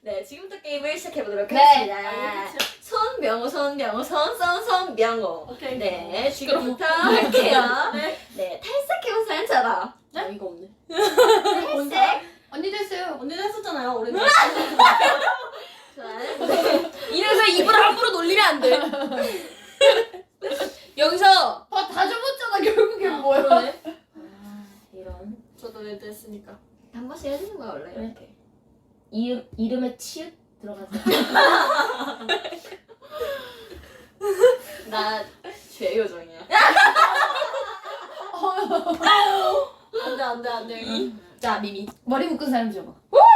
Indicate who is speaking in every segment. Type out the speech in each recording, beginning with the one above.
Speaker 1: 네, 지금부터 게임을 시작해보도록
Speaker 2: 네.
Speaker 1: 하겠습니다. 손명호, 손명호.
Speaker 3: 오케이.
Speaker 1: 네, 지금부터 할게요.
Speaker 3: 네.
Speaker 1: 네, 탈색해본 사람처럼.
Speaker 3: 네?
Speaker 1: 어이가 없네.
Speaker 3: 언제?
Speaker 1: 탈색.
Speaker 2: 언니도 했어요.
Speaker 3: 언니도 했었잖아요. 오렌지.
Speaker 1: 좋아요.
Speaker 4: 이래서 입을 함부로 놀리면 안 돼. 여기서
Speaker 2: 다 접었잖아 결국엔 뭐야?
Speaker 3: 그러네.
Speaker 1: 아, 이런.
Speaker 3: 저도 레드 했으니까.
Speaker 1: 한 번씩 해주는 거야, 원래. 이렇게.
Speaker 4: 이름에 치읓 들어가서.
Speaker 1: 나 죄요정이야.
Speaker 3: 안 돼.
Speaker 4: 자 미미.
Speaker 2: 머리 묶은 사람 접어.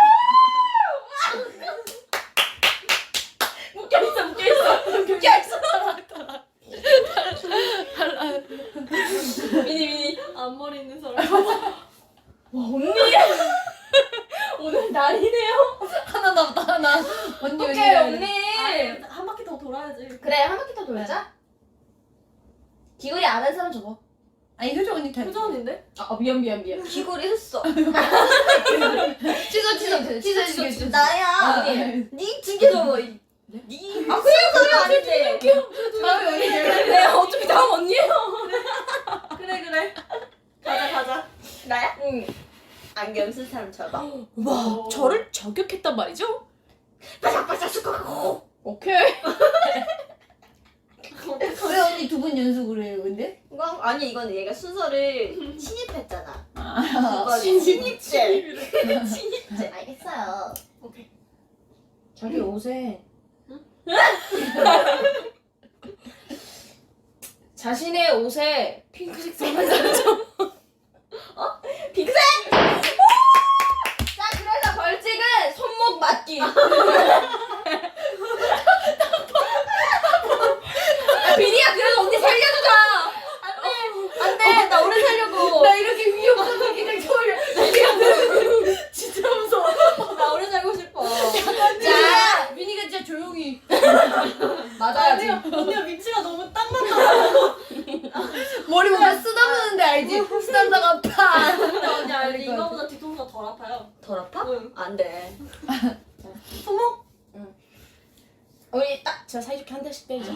Speaker 4: 묶여있어.
Speaker 3: 미니. 앞머리 있는 사람.
Speaker 4: 와 언니. 오늘 날이네요.
Speaker 2: 하나 남았다 하나. 언니
Speaker 4: 오케이
Speaker 2: 언니.
Speaker 4: 언니.
Speaker 3: 아니, 한 바퀴 더 돌아야지.
Speaker 4: 그래 한 바퀴 더 돌자. 기울이 안 한 사람 접어.
Speaker 2: 아니 효정 언니 다.
Speaker 3: 효정인데?
Speaker 4: 아 미안.
Speaker 1: 귀걸이 했어.
Speaker 2: 취소.
Speaker 1: 나야.
Speaker 2: 네.
Speaker 1: 니 두개줘. 니. 아, 그냥 소리 아닌데.
Speaker 2: 다음에 언니
Speaker 4: 네 어차피 다음 언니예요.
Speaker 3: 그래. 가자.
Speaker 1: 나야? 응. 안경 쓴 사람 쳐봐.
Speaker 4: 와 저를 저격했단 말이죠?
Speaker 1: 바삭바삭 쑥.
Speaker 4: 오케이.
Speaker 2: 왜 언니 두 분 연속으로 해요 근데?
Speaker 1: 아니, 이건 얘가 순서를 친입했잖아.
Speaker 2: 아.
Speaker 1: 친입제. 친입제. 알겠어요.
Speaker 3: 오케이.
Speaker 4: 자기 옷에 자신의 옷에 핑크색 선한 사람 접어.
Speaker 1: 핑크색!
Speaker 4: 자 그래서 벌칙은 손목 맞기. 비니야 그래도 언니 살려주자.
Speaker 1: 안돼, 나 오래 살려고.
Speaker 2: 나 이렇게 위험한 거 그냥 처음이야.
Speaker 4: 진짜 무서워.
Speaker 1: 나 오래 살고 싶어.
Speaker 4: 자
Speaker 2: 미니가 진짜 조용히.
Speaker 4: 맞아야지.
Speaker 3: 언니가 위치가 너무 딱 맞다.
Speaker 2: 머리 보면 쓰다보는데 알지? 쓰다가 파.
Speaker 3: 언니 알지?
Speaker 2: 그럴 것
Speaker 3: 이거보다 뒤통수가 덜 아파요.
Speaker 1: 덜 아파?
Speaker 3: 응.
Speaker 1: 안돼.
Speaker 3: 손목?
Speaker 4: 우리 딱 저 사이좋게 한 대씩 때리자.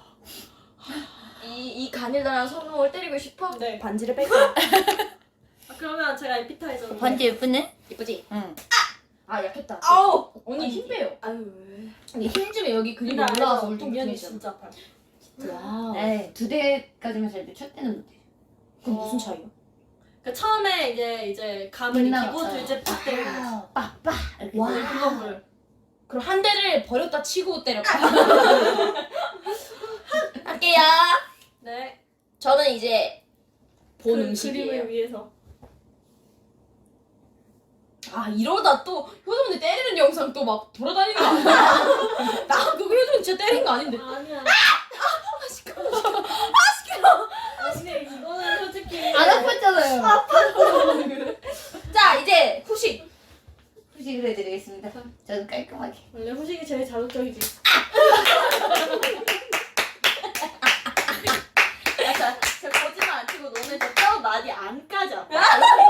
Speaker 1: 이 가닐라랑 손목을 때리고 싶어?
Speaker 3: 네.
Speaker 4: 반지를 뺄게.
Speaker 3: 그러면 제가 에피타이저.
Speaker 2: 예쁘네?
Speaker 1: 이쁘지?
Speaker 2: 응.
Speaker 4: 아 약했다.
Speaker 1: 아우!
Speaker 4: 언니 힘 빼요.
Speaker 1: 아유, 왜.
Speaker 4: 근데 힘 주면 여기 근육이
Speaker 3: 근데
Speaker 4: 올라와서
Speaker 3: 알죠? 미연이
Speaker 4: 울퉁불퉁해져.
Speaker 3: 진짜 아파요.
Speaker 4: 와우.
Speaker 2: 에이 2대까지만 잘 돼. 첫 대는 못해.
Speaker 4: 그럼 무슨 차이야?
Speaker 3: 그 처음에 이제 감을
Speaker 2: 빛나
Speaker 3: 기본
Speaker 2: 맞아요.
Speaker 3: 둘째 팍 때리는 거지.
Speaker 2: 빠빠. 이렇게.
Speaker 4: 와.
Speaker 3: 네, 그거를.
Speaker 4: 그럼 한 대를 버렸다 치고 때려.
Speaker 1: 할게요.
Speaker 3: 네.
Speaker 4: 저는 이제 본
Speaker 3: 그
Speaker 4: 음식이에요.
Speaker 3: 그림을 위해서.
Speaker 4: 아 이러다 또 효정 언니 때리는 영상 또 막 돌아다니는 거 아니야? 나 그거 효정 언니 진짜 때린 거 아닌데.
Speaker 3: 아니야.
Speaker 4: 시끄러워.
Speaker 3: 언니 이거는 솔직히
Speaker 2: 안 아팠잖아요.
Speaker 4: 자 이제 후식.
Speaker 2: 후식을 해드리겠습니다. 저는 깔끔하게.
Speaker 3: 원래 후식이 제일 자극적이지.
Speaker 1: 야, 저 거짓말 안 치고 너네 저 뼈 많이 안 까져.